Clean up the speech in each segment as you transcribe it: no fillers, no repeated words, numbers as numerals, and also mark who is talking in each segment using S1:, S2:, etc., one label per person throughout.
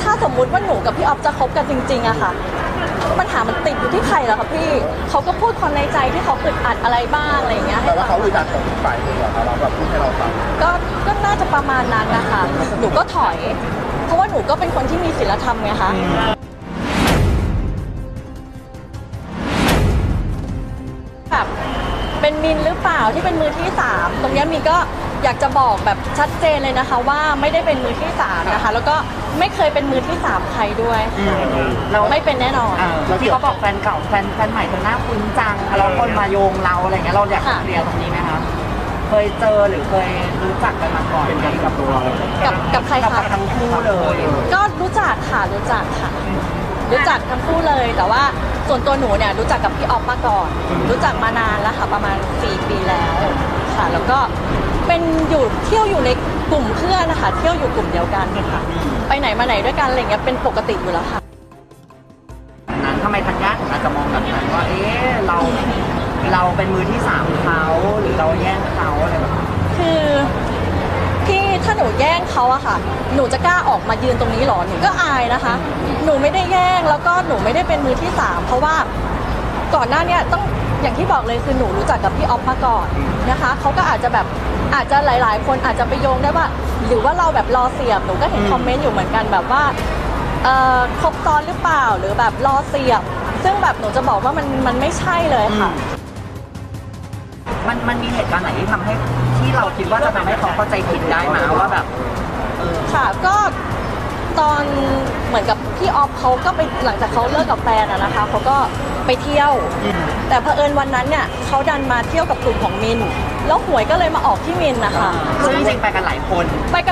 S1: ถ้าสมมุติว่าหนูกับพี่ออฟจะคบกันจริงๆอะค่ะปัญหามันติดอยู่ที่ใครเหรอคะพี่เขาก็พูดความในใจที่เขาอึดอัดอะไรบ้างอะไรอย่างเงี้ย
S2: แต่ว่าเขาอึดอัดของอีกฝ่ายหนึ่งเหรอครับเราแบบพูดให้เราฟัง
S1: ก็น่าจะประมาณนั้นนะคะหนูก็ถอย เพราะว่าหนูก็เป็นคนที่มีศีลธรรมไงคะแบบเป็นมินหรือเปล่าที่เป็นมือที่3ตรงนี้มินก็อยากจะบอกแบบชัดเจนเลยนะคะว่าไม่ได้เป็นมือที่3นะคะแล้วก็ไม่เคยเป็นมือที่3ใครด้วยเราไม่เป็นแน่นอน
S3: ที่เขาบอกแฟนเก่าแฟนใหม่เธอหน้าคุ้นจังแล้วคนมาโยงเราอะไรเงี้ยเราอยากเคลียร์ตรงนี้ไหมคะเคยเจอหรือเคยรู้จักกันมาก่อนเป็นกันกับตัว
S1: กับใครคะ
S3: กับทั้งคู่เลย
S1: ก็รู้จักค่ะรู้จักทั้งคู่เลยแต่ว่าส่วนตัวหนูเนี่ยรู้จักกับพี่ออฟมาก่อนรู้จักมานานแล้วค่ะประมาณ4 ปีแล้วค่ะแล้วก็เป็นเที่ยวอยู่ในกลุ่มเพื่อนนะคะเที่ยวอยู่กลุ่มเดียวกันค่ะไปไหนมาไหนด้วยกันอะไรเงี้ยเป็นปกติอยู่แล้วค่ะ
S3: นั้นทำไมธัญญาถึงอาจจะมองแบบนั้นว่าเราเป็นมือที่3เขาหรือเราแย่งเขาอะไรแบบ
S1: คือพี่ถ้าหนูแย่งเขาอะค่ะหนูจะกล้าออกมายืนตรงนี้หรอหนูก็อายนะคะหนูไม่ได้แย่งแล้วก็หนูไม่ได้เป็นมือที่3เพราะว่าก่อนหน้านี้ต้องอย่างที่บอกเลยคือหนูรู้จักกับพี่ออฟมาก่อนนะคะเขาก็อาจจะหลายๆคนอาจจะไปโยงได้ว่าหรือว่าเราแบบรอเสียบหนูก็เห็นคอมเมนต์อยู่เหมือนกันแบบว่าครบซ้อนหรือเปล่าหรือแบบรอเสียบซึ่งแบบหนูจะบอกว่ามันไม่ใช่เลยค่ะ
S3: มันมีเหตุการณ์ไหนที่ทำให้ที่เราคิดว่าจะทำให้เขาเข้าใจผิดได้ไหมว่าแบบ
S1: ค่ะก็ตอนเหมือนกับพี่ออฟเขาก็ไปหลังจากเขาเลิกกับแฟนอะนะคะเขาก็ไปเที่ยวแต่เผอิญวันนั้นเนี่ยเขาดันมาเที่ยวกับกลุ่มของมินแล้วหวยก็เลยมาออกที่มินนะคะ
S3: ซึ่งจริงๆไปกันหลายคน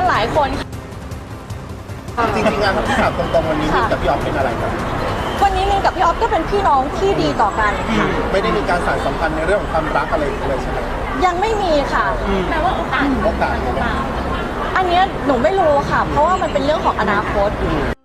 S2: จริงๆงานที่ถามตรงๆวันนี้มินกับพี่ออฟเป็นอะไรกัน
S1: วันนี้มินกับพี่ออฟก็เป็นพี่น้องที่ดีต่อกันค่ะ
S2: ไม่ได้มีการสานสัมพันธ์ในเรื่องของความรักอะไรเลยใช่ไหม
S1: ยังไม่มีค่ะ
S4: แปลว่าโอกาส
S1: อันนี้หนูไม่รู้ค่ะเพราะว่ามันเป็นเรื่องของอนาคต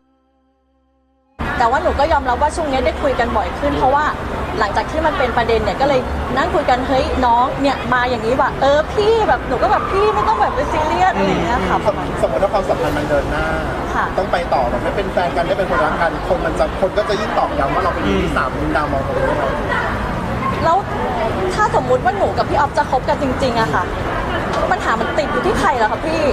S1: แต่ว่าหนูก็ยอมรับว่าช่วงนี้ได้คุยกันบ่อยขึ้นเพราะว่าหลังจากที่มันเป็นประเด็นเนี่ยก็เลยนั่งคุยกันเฮ้ยน้องเนี่ยมาอย่างนี้ว่ะพี่แบบหนูก็แบบพี่ไม่ต้องแบบไปซีเรียสอะไรอย่างเงี้ยค่ะ
S2: สมมติว่าความสัมพันธ์มันเดินหน้าต้องไปต่อแบบไม่เป็นแฟนกันได้เป็นคนรักกันคนก็จะยิ่งตอกย้ำว่าเราเป็นมือที่3มินดาวมองตรงนี้ไหม
S1: แล้วถ้าสมมุติว่าหนูกับพี่ออฟจะคบกันจริงๆอะค่ะปัญหามันติดอยู่ที่ใครเหรอคะพี่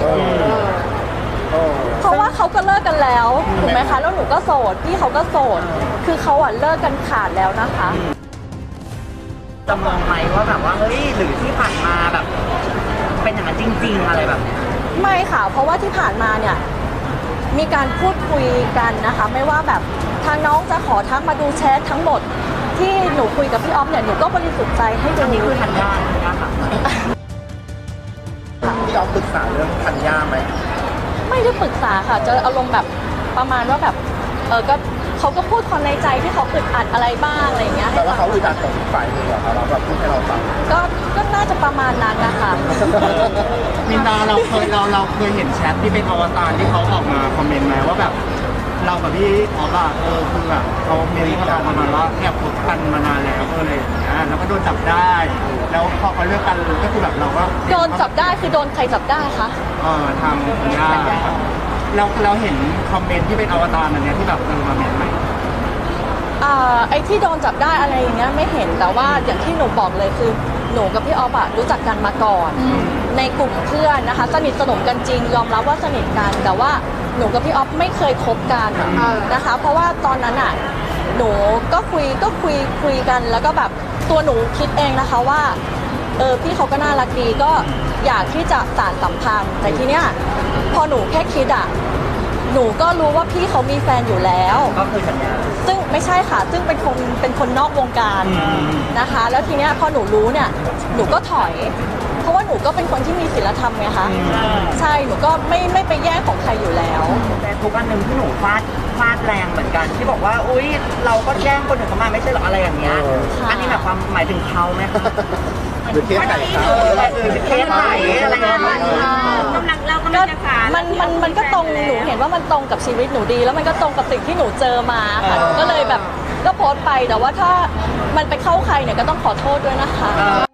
S1: เพราะว่าเขาก็เลิกกันแล้วถูกไหมคะแล้วหนูก็โสดพี่เขาก็โสดคือเขาอะเลิกกันขาดแล้วนะคะ
S3: จะมองไหมว่าแบบว่าเฮ้ยหรือที่ผ่านมาแบบเป็นอย่างนั้นจริงๆอะไรแบบนี้
S1: ไม่ค่ะเพราะว่าที่ผ่านมาเนี่ยมีการพูดคุยกันนะคะไม่ว่าแบบทางน้องจะขอทักมาดูแชททั้งหมดที่หนูคุยกับพี่ออฟเนี่ยหนูก็บริสุทธิ์ใจให้ดู
S3: นี่คือธัญญาค่ะ
S2: พี่ออฟปรึกษาเรื่องธัญญาไหม
S1: ไม่ได้ปรึกษาค่ะจะอารมณ์แบบประมาณว่าแบบก็เขาก็พูดความในใจที่เขาอึดอัดอะไรบ้างอะไรอย่างเงี้ย
S2: แต่ว่าเขาอึดอัดของอีกฝ่ายหนึ่งเหรอครับเราแบบพูดให้เราฟัง
S1: ก็น่าจะประมาณนั้นนะคะ
S5: มินดาเราเคยเห็นแชทที่เป็นอวตารที่เขาออกมาคอมเมนต์ไหมว่าแบบเรากับพี่ออฟอะคือแบบเขาเมนต์เราประมาณว่าแอบคบกันมานานแล้วอะไรอย่างเงี้ยแล้วก็โดนจับได้แล้วพอเขาเลิกกันก็คือแบบเราก็
S1: โดนจับได้คือโดนใครจับได้คะ
S5: ทางคุณย่าเราเห็นคอมเมนต์ที่เป็นอวตารอันเนี้ยที่แบบมาเมนต์ไหม
S1: ไอ้ที่โดนจับได้อะไรอย่างเงี้ยไม่เห็นแต่ว่าอย่างที่หนูบอกเลยคือหนูกับพี่ออฟอะรู้จักกันมาก่อนในกลุ่มเพื่อนนะคะสนิทสนมกันจริงยอมรับว่าสนิทกันแต่ว่าหนูกับพี่ออฟไม่เคยคบกันนะคะเพราะว่าตอนนั้นอะหนูก็คุยกันแล้วก็แบบตัวหนูคิดเองนะคะว่าพี่เขาก็น่ารักดีก็อยากที่จะสานสัมพันธ์แต่ทีเนี้ยพอหนูแค่คิดอะหนูก็รู้ว่าพี่เขามีแฟนอยู่แล้ว
S3: ก็คือสัญญา
S1: ซึ่งไม่ใช่ค่ะซึ่งเป็นคนนอกวงการนะคะแล้วทีเนี้ยพอหนูรู้เนี่ยหนูก็ถอยเพราะว่าหนูก็เป็นคนที่มีศีลธรรมไงคะใช่หนูก็ไม่ไปแย่งของใครอยู่แล้ว
S3: แต่ทุกอันหนึ่งที่หนูฟาดแรงเหมือนกันที่บอกว่าอุ๊ยเราก็แย่งคนอื่นเขามาไม่ใช่หรออะไรอย่างเงี้ยอันนี้หมายถึงเขาไหม
S2: หรือเคสไหนครับ
S3: เคสไหนอะไรเงี้ย
S1: มันก็ตรงหนูเห็นว่ามันตรงกับชีวิตหนูดีแล้วมันก็ตรงกับสิ่งที่หนูเจอมาค่ะก็เลยแบบก็โพสต์ไปแต่ว่าถ้ามันไปเข้าใครเนี่ยก็ต้องขอโทษด้วยนะคะ